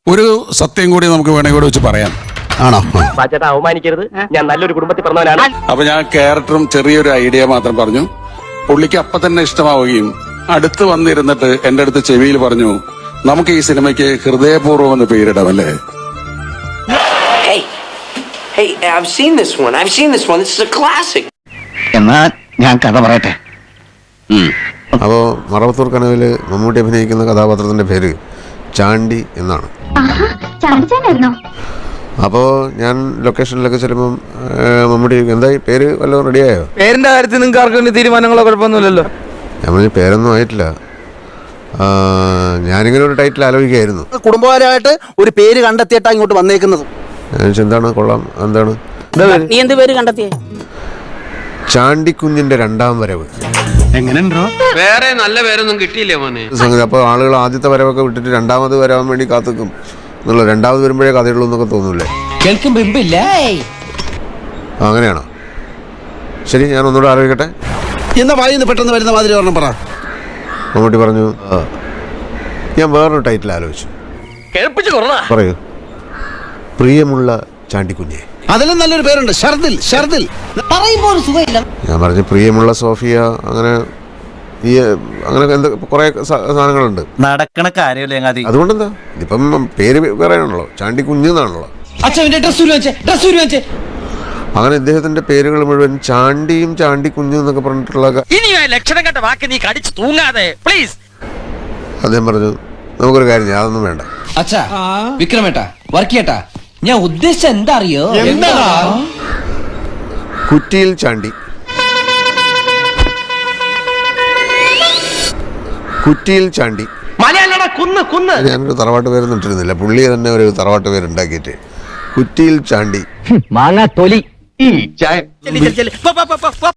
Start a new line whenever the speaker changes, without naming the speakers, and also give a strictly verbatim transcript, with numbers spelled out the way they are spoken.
ഒരു സത്യം കൂടി നമുക്ക് വേണമെങ്കിൽ കൂടെ വെച്ച് പറയാം.
ആണോ?
ചേട്ടാ അവമാനിക്കരുത്, ഞാൻ നല്ലൊരു കുടുംബത്തിൽ പറഞ്ഞവനാണ്.
അപ്പൊ ഞാൻ ക്യാരക്ടറും ചെറിയൊരു ഐഡിയ മാത്രം പറഞ്ഞു. പുള്ളിക്ക് അപ്പൊ തന്നെ ഇഷ്ടമാവുകയും അടുത്ത് വന്നിരുന്നിട്ട് എന്റെ അടുത്ത് ചെവിയിൽ പറഞ്ഞു, നമുക്ക് ഈ സിനിമയ്ക്ക് ഹൃദയപൂർവ്വം എന്ന് പേരിടാം അല്ലേ?
Hey, hey, I've seen this one. I've seen this one. This is a classic.
എന്നാ ഞാൻ കഥ പറയട്ടെ.
അപ്പോൾ മറവത്തൂർ കനവില് മമ്മൂട്ടി അഭിനയിക്കുന്ന കഥാപാത്രത്തിന്റെ പേര് ചാണ്ടി എന്നാണ്. അപ്പോൾ ഞാൻ ലൊക്കേഷനിലൊക്കെ ചെല്ലുമ്പം മമ്മൂട്ടി എന്തായി പേര് വല്ലതും റെഡിയായോ?
പേരിന്റെ കാര്യത്തിൽ നിങ്ങൾക്ക് ആർക്കും തീരുമാനങ്ങളോ കുഴപ്പമൊന്നുമില്ലല്ലോ.
ഞാൻ പറഞ്ഞു പേരൊന്നും ആയിട്ടില്ല, ഞാനിങ്ങനെ ഒരു ടൈറ്റിൽ ആലോചിക്കുകയായിരുന്നു.
കുടുംബപരമായിട്ട് ഒരു പേര് കണ്ടെത്തിയിട്ടാ ഇങ്ങോട്ട് വന്നേക്കുന്നത്.
ഞാൻ എന്താണ് കൊള്ളാം, എന്താണ്
നീ എന്ത് പേര് കണ്ടെത്തിയേ?
ചാണ്ടിക്കുഞ്ഞിന്റെ രണ്ടാം വരവ്.
എങ്ങനെയുണ്ടോ?
വേറെ നല്ല പേരൊന്നും കിട്ടിയില്ലേ മോനെ?
സംഗതി അപ്പോൾ ആളുകൾ ആദ്യത്തെ വരവൊക്കെ വിട്ടിട്ട് രണ്ടാമത് വരാൻ വേണ്ടി കാത്തുക്കും എന്നുള്ള, രണ്ടാമത് വരുമ്പോഴേ കഥയുള്ളൂ എന്നൊക്കെ തോന്നൂല്ലേ?
കേൾക്കുമ്പോ ഇമ്പില്ലേ?
അങ്ങനെയാണോ? ശരി, ഞാൻ ഒന്നുകൂടെ ആലോചിക്കട്ടെ.
എന്നാ വായിന്ന് പെട്ടെന്ന് വരുന്ന മാതിരി ഒരെണ്ണം പറ.
മമ്മൂട്ടി പറഞ്ഞു, ഞാൻ വേറൊരു ടൈറ്റിൽ ആലോചിച്ചു. പറയൂ. പ്രിയമുള്ള ചാണ്ടിക്കുഞ്ഞെ.
അതിലും നല്ലൊരു പേരുണ്ട്, ഷർദിൽ. ഷർദിൽ
പറയുമ്പോ ഒരു സുഖമില്ല.
ഞാൻ പറഞ്ഞു പ്രിയമുള്ള സോഫിയ, അങ്ങനെ ഈ അങ്ങനെ എന്താ കുറെ സാധനങ്ങളുണ്ട്.
നടക്കണ കാര്യമല്ലേ?
അതുകൊണ്ടെന്താ, ഇതിപ്പം പേര് വേറെ ആണല്ലോ, ചാണ്ടിക്കുഞ്ഞ് എന്നാണല്ലോ. അങ്ങനെ ഇദ്ദേഹത്തിന്റെ പേരുകൾ മുഴുവൻ ചാണ്ടിയും ചാണ്ടിക്കുഞ്ഞും എന്നൊക്കെ പറഞ്ഞിട്ടുള്ള.
ലക്ഷണം കണ്ട വാക്ക് നീ കടിച്ചു തൂങ്ങാതെ പ്ലീസ്.
അദ്ദേഹം പറഞ്ഞു, നമുക്കൊരു കാര്യം ചെയ്യാം, അതൊന്നും വേണ്ട.
അച്ഛാ വിക്രമേട്ടാ, വർക്കിയേട്ടാ, ഞാൻ ഉദ്ദേശിച്ച എന്താ അറിയോ?
കുറ്റിയിൽ ചാണ്ടി. കുറ്റിയിൽ ചാണ്ടി.
കുന്ന് കുന്ന്
ഞാനൊരു തറവാട്ട് പേരൊന്നും ഇട്ടിരുന്നില്ല, പുള്ളി തന്നെ ഒരു തറവാട്ട് പേരുണ്ടാക്കിയിട്ട് കുറ്റിയിൽ ചാണ്ടി.
മാങ്ങാ തൊലി.